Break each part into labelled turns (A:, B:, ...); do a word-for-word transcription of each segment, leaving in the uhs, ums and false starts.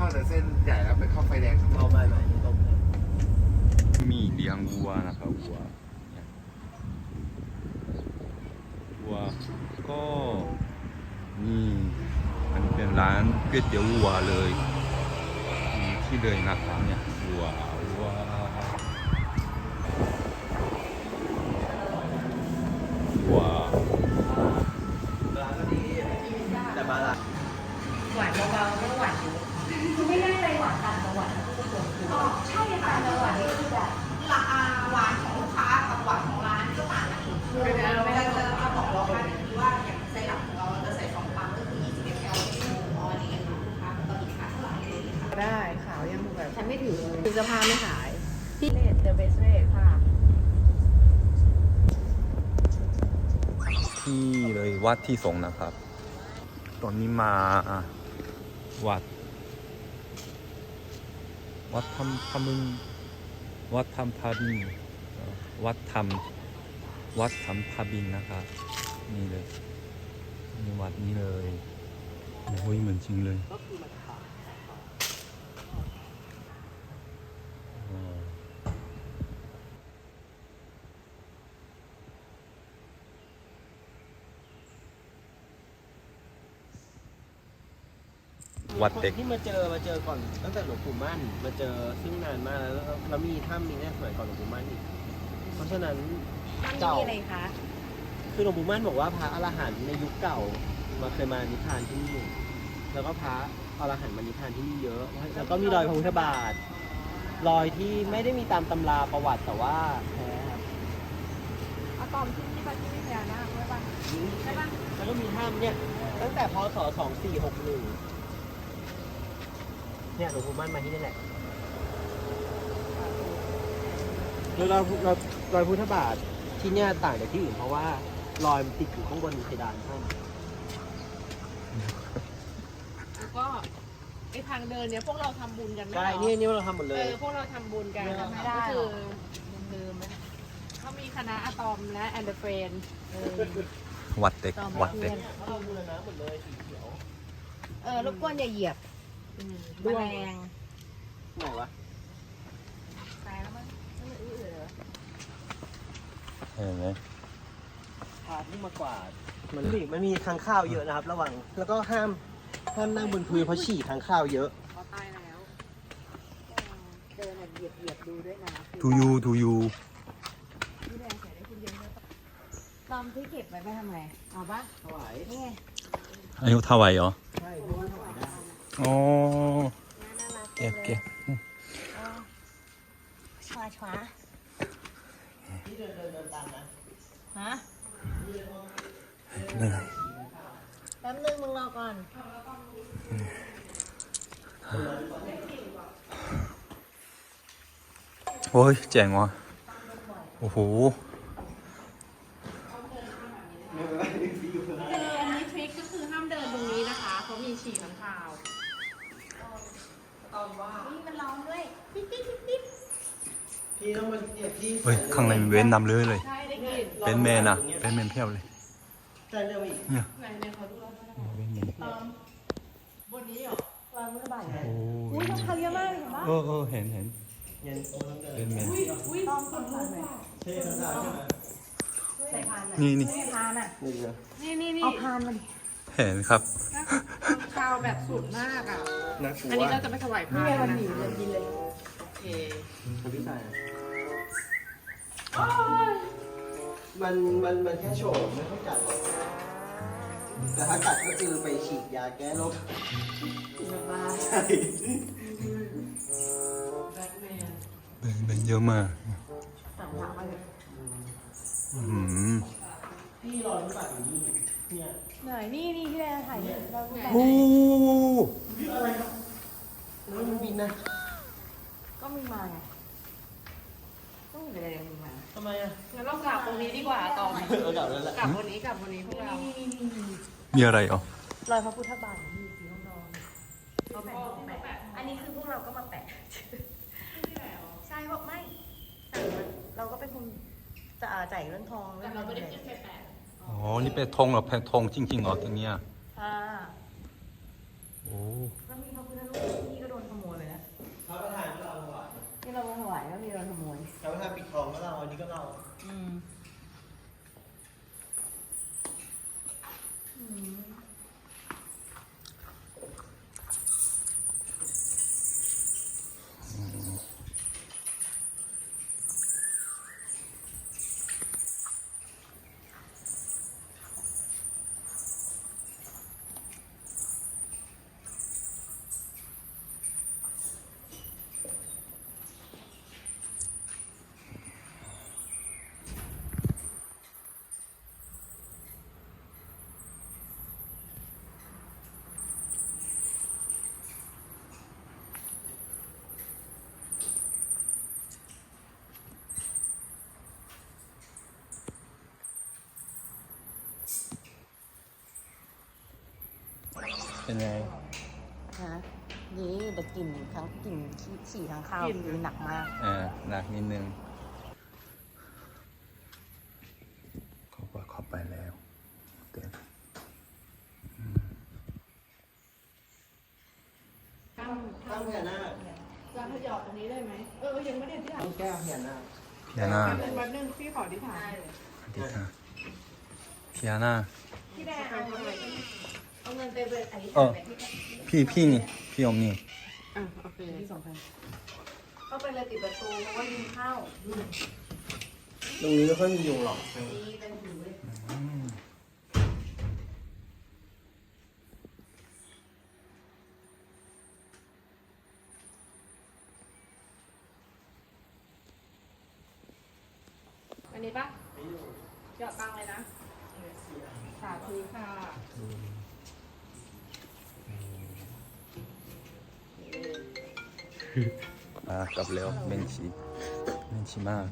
A: าแต่เส้นใหญ่แล้วไปเข้าไฟแดงเอาไปไหมตรง
B: มีเลี้ยงวัวนะครับวัววัวก็นี่มันเป็นร้านก๋วยเตี๋ยววัวเลยที่เลยนะครับเนี่ยวัววัววัว
A: ร้านก็ดีแต่บาร์
C: หวานเบาๆไม่ต้องหวานเยอะคือไม่ได้ไปหวานต่างจังหวัดนะทุกคนอ๋อใช่ค่ะจังหวัดนี้คือแบบราคาหวานของลูกค้ากับหวานของร้านก็ต่างกันอยู่เวลาเราจะบอกลูกค้าคือว่าอย่างไซรัปของเราจะใส่สองปั๊มก็คือยี่สิบมิลลิลิตรอ๋อนี่ค่ะลูกค้าตอนนี้ขาเท่าไหร่ได้ขาวยังแบบฉันไม่ถือเลยถือเสื้อผ้าไม่ขายพี่เลดเดอะเบสเรทค่ะ
B: ที่เลยวัดที่สงนะครับตอนนี้มาวัดวัดธรรมพมึงวัดธรรมพาบินวัดธรรมวัดธรรมพาบินนะครับนี่เลยนี่วัดนี้เลยโอ้ยเหมือนจริงเลยวัดเด็ก
A: ที่มาเจอมาเจอก่อนตั้งแต่หลวงปู่มั่นมาเจอซึ่งนานมากแล้วแล้วมีถ้ำมีแน่สมัยก่อนหลวงปู่มั่นอีกเพราะฉะนั้นเก่าอะไรคะคือหลวงปู่มั่นบอกว่าพระอรหันต์ในยุคเก่ามาเคยมานิพพานที่นี่แล้วก็พระอรหันต์มานิพพานที่นี่เยอะแล้วก็มีรอยพระพุทธบาทรอยที่ไม่ได้มีตามตำราประวัติแต่ว่าแท้ครับ
C: อะตอมที่นี่ปะที่นี่พญานาคใช่ปะใช่ปะ
A: แล้วก็มีถ้ำเนี่ยตั้งแต่พศสองสี่หกหนึ่งเนี่ยหลวงปู่มั่นมาที่นี่แหละโดยรอยรอยรอยพุทธบาทที่เนี่ยต่างจากที่อื่นเพราะว่ารอยมันติดอยู่ข้างบนเพดานถ้ำ
C: แล้วก็ไอ้ทางเดินเนี่ยพวกเราทำบุญกันไหม
A: ใช่นี่นี่เราทำหมดเลย
C: เออพวกเราทำบุญกันไม่ได้ก็คือลืมไหมเขามีคณะอะตอมและแอนเดอร์เฟรน
B: วัดเด็กวัดเด็ก
A: เราบูรณะหมดเลยสีเขียว
C: เออรบกวนอย่าเหยียบแมลง
A: ไหนวะ
C: ตายแล้วมั้งไม่อื้อเหรอ
B: เห็นไหม
A: พาที่มากวาดมันมีมันมีทางข้าวเยอะนะครับระวังแล้วก็ห้ามห้ามนั่งบนพื้นเพราะฉี่ทางข้าวเยอะ
C: เขาตายแล้วเดินเหยียบเหยียบดูด้วยนะ
B: ทูยูทูยู
C: พี่แดงใส่ได้คุณเยอะตอมที่เก็บไว้ไปทำไมเอาปะ
A: ถวาย
C: นี่
B: อายุเท่าไหร่เหรอ
A: ใช่รู้ว่าถวายได้
B: อ๋อเก็บเก็บ
C: ช้าช้า
A: ที่เดินเดินเดินตามนะ
C: ฮะ
B: เหนื่อย
C: แป๊บนึงมึงรอก่อน
B: โอ้ยเจ๋งว่ะโอ้โห
C: คืออันนี้ทริคก็คือห้ามเดินตรงนี้นะคะเพราะมีฉี่ข้างคาวนี่มันร้องด้วยปิ๊บปิ๊บปิ๊บปิ๊บ
A: พี่ต้องมาเก็บที่
B: เฮ้ยข้างในมีเว้นนำเลยเลย
C: ใช่ได้กิน
B: เป็นแมนอะเป็นแมนเพียบเลย
A: ใช่เรื่องอีก
B: เนี่ย
C: ไหนเนี่ยเขาดูแล้ว
B: เป็นแมน
C: บนนี้เหรอวางมือบ่าย
B: โอ้
C: อุ้ยต้องทำเยอะมากเลยเห็นปะ
B: เออเออเห็นเห็นเป็นแมน
C: อุ้ยต้องคนผ่านไหม
A: ใช่ใช่ใช่
C: ใส่พาน
B: นี่นี่
C: พานอ่ะนี่นี่นี่เอาพานมาดิ
B: เห็นครับ
C: ข้าวแบบสุดมากอ่ะอันนี้เราจะไปถวายพานนะนี่เลยกินเลยโอเค
A: คุณพี่ชายมันมันมันแค่โฉมไม่ต้องจัดหรอกแต่ถ้ากัดก็คือไปฉีดยาแก้โรคใช่
B: เป็นเยอะมาก
C: สั่งถามมาเลย
B: อืม
A: พี่รอรู้บัตรอยู่นี่เนี่ย
C: ไหนนี่นี่ที่แดงถ่ายเนี่ยเราแบบ
B: โอ้
A: อะไรครับแล้วมันบินนะ
C: ก็มีมาไงต้องมีอะไรมีมา
A: ทำไมอ่ะ
C: งั้นเรากลับตรงนี้ดีกว่าต่อ
A: เออกลับแล้วแหละ
C: กลับวันนี้กลับวันนี้พวกเรา
B: มีอะไรอ๋อ
C: รอยพระพุทธบาทมีสีทองทองเราแปะแปะอันนี้คือพวกเราก็มาแปะใช่เพราะไม่เราก็เป็นคนจะจ่ายเรื่องทองแต่เราไม่ได้ขึ้นไปแปะ
B: อ๋อนี่เป็นธงเหรอเป็นธงจริงๆเหรอตรงเนี้ย
C: ค่ะ
B: โอ้
C: แล้วมีพระพุทธรูปที่ก็โดน
B: เป็นไง
C: ฮะนี่แต่กลิ่นทั้งกลิ่นขี้ฉี่ทั้งข้าวคือหนักมาก
B: อ่าหนักนิดนึงเขาก็เข้าไปแล้วเต็ม
C: ตั้ง
A: ตั้งพญานาค
D: จะขยอดตรงนี้ได้ไหม เออ ยังไม่ได้ที่ถ่าย
A: ตั้งแก้วพญานาค
B: พิอาน่า
D: เป็นวันหนึ่งพี่ขอที่ถ่าย
B: สวัสดีค่ะพิอาน่า
C: พี่แดงเอาเงินเอาเงินไปเลยอันนี้
B: เออพี่พี่นี่พี่อมนี่
D: อ่ะ โอเค
C: ที่สองพันเข้าไปเลยติดประตูเพราะว่ายุงเข้า
A: ตรงนี้ไม่ค่อยมียุงหรอก
C: ดีเป็นหูเลย
B: อืม
D: อันนี้ปะหยอดตังค์เลยนะ สาธุค่ะ
B: มากลับแล้วเบนชีเบนชีมาก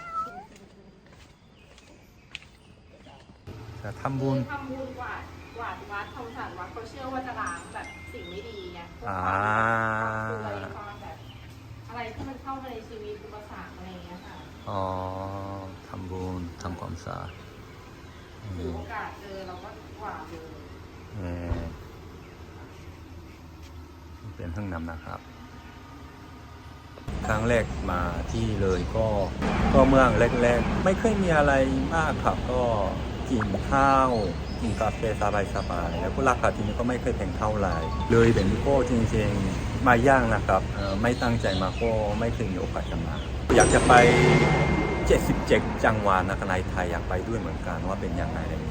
B: จะทำบุญ
D: ทำบุญกวาดกวาดวัดทำสะอาดวัดเขาเชื่อว่าจะล้างแบบสิ่งไม่ดีไงพวก
B: อ่า
D: ความป่วยความแบบอะไรที่มันเข้ามาในชีวิตอุปสรรคอะไรอย่างเงี้ยค่ะ
B: อ๋อทำบุญทำความสะอาดอื
D: ถือ
B: ม
D: โอกาสเจอเราก็กวาดเลย
B: เอ่อเป็นห้องน้ำนะครับ ครั้งแรกมาที่เลยก็ก็เมืองแรกๆไม่เคยมีอะไรมากครับก็กินข้าวกินกาแฟสบายๆแล้วก็ราคาที่นี่ก็ไม่เคยแพงเท่าไหร่เลยแต่นี่ก็จริงๆมาย่างนะครับเอ่อไม่ตั้งใจมาก็ไม่เคยมีโอกาสจะมาอยากจะไปเจ็ดสิบเจ็ดจังหวัดนะครับในไทยอยากไปด้วยเหมือนกันว่าเป็นยังไงอะไรอย่างเงี้ย